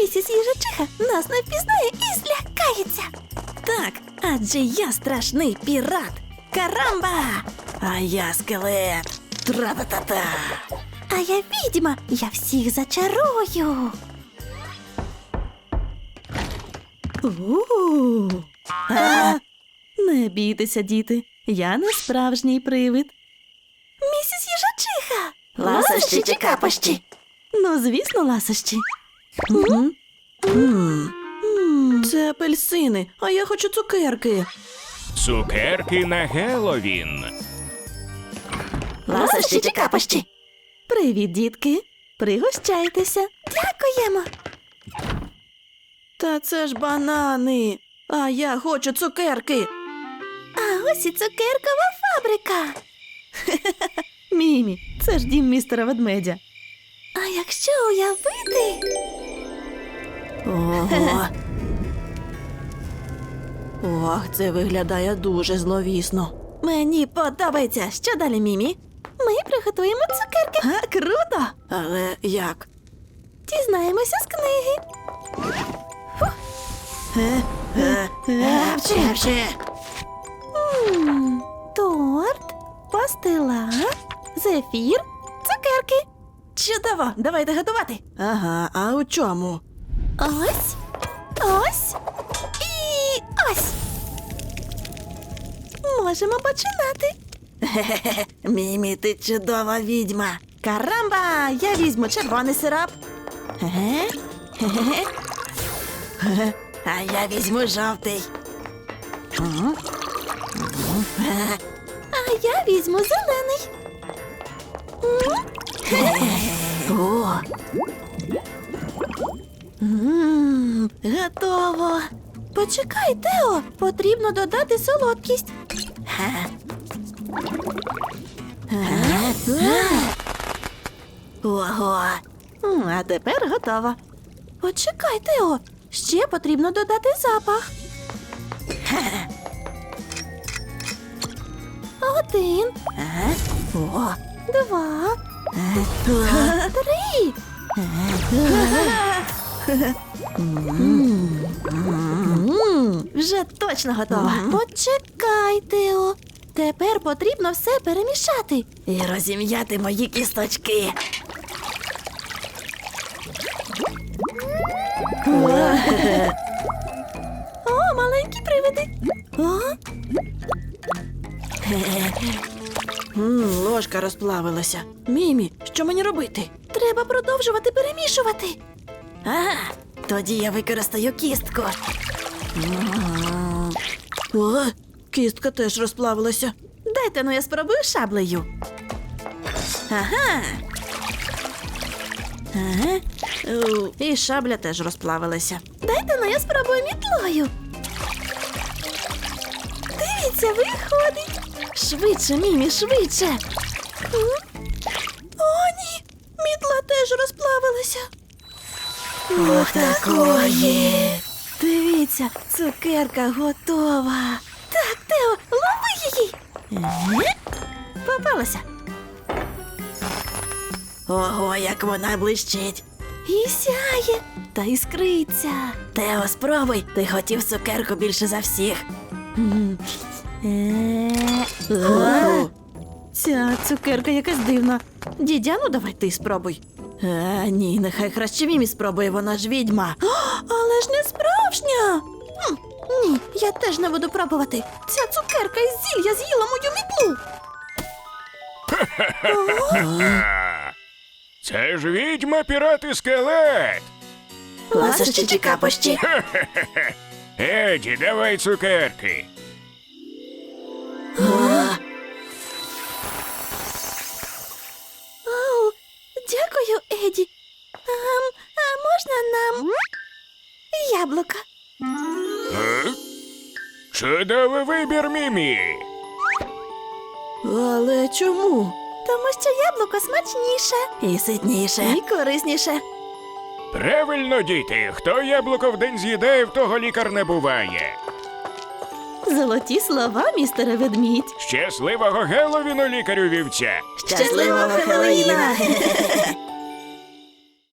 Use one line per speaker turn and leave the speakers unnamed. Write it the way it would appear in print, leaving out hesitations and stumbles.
місіс Їжачиха нас не впізнає і злякається. Так, адже я страшний пірат. Карамба!
А я скелет. Тра-та-та-та.
А я відьма, я всіх зачарую.
Не бійтеся, діти. Я не справжній привид.
Місіс Їжачиха!
Ласощі чи капощі? Ну, звісно, ласощі. Це апельсини, а я хочу цукерки.
Цукерки на Геловін.
Ласощі чи капощі?
Привіт, дітки. Пригощайтеся.
Дякуємо.
Та це ж банани. А я хочу цукерки.
А ось і цукеркова фабрика.
Мімі, це ж дім містера ведмедя.
А якщо уявити?
Ого. Ох, це виглядає дуже зловісно. Мені подобається. Що далі, Мімі?
Ми приготуємо цукерки.
А, круто! Але як?
Дізнаємося з книги.
Вче.
Торт, пастила, зефір, цукерки.
Чудово, давайте готувати. Ага, а у чому?
Ось, ось і ось. Можемо починати.
Мімі, ти чудова відьма. Карамба, я візьму червоний сироп. А я візьму жовтий.
А я візьму зелений.
О! Готово.
Почекай, Тео, потрібно додати солодкість.
Ого. А тепер готово.
Почекай, Тео, ще потрібно додати запах. 1,
О.
2, 3.
Вже точно готово.
Почекай, Тео. Тепер потрібно все перемішати.
І розім'яти мої кісточки.
О, маленькі привиди.
Ложка розплавилася. Мімі, що мені робити?
Треба продовжувати перемішувати.
Ага, тоді я використаю кістку. О, кістка теж розплавилася. Дайте, ну я спробую шаблею. Ага. І шабля теж розплавилася.
Дайте, ну я спробую мітлою. Дивіться, виходить.
Швидше, Мімі, швидше.
О, ні, мітла теж розплавилася.
Отакої. Дивіться, цукерка готова.
Так, Тео, лови її.
Попалася. Ого, як вона блищить.
І сяє.
Та іскриться. Тео, спробуй, ти хотів цукерку більше за всіх. Ця цукерка якась дивна. Дідя, ну давай ти спробуй. Ні, нехай краще Мімі спробує, вона ж відьма.
Але ж не справжня. Ні, я теж не буду пробувати. Ця цукерка із зілля з'їла мою мітлу.
Це ж відьма, пірат і скелет.
Ласощі чи капощі?
Еді, давай цукерки.
Оу, дякую, Еді. А можна нам яблука?
Чудовий вибір, Мімі.
Але чому?
Тому що яблуко смачніше.
І ситніше. І корисніше.
Правильно, діти. Хто яблуко в день з'їдає, в того лікар не буває.
Золоті слова, містере ведмідь.
Щасливого Геловіну, лікарю вівця.
Щасливого Хеллоуіна!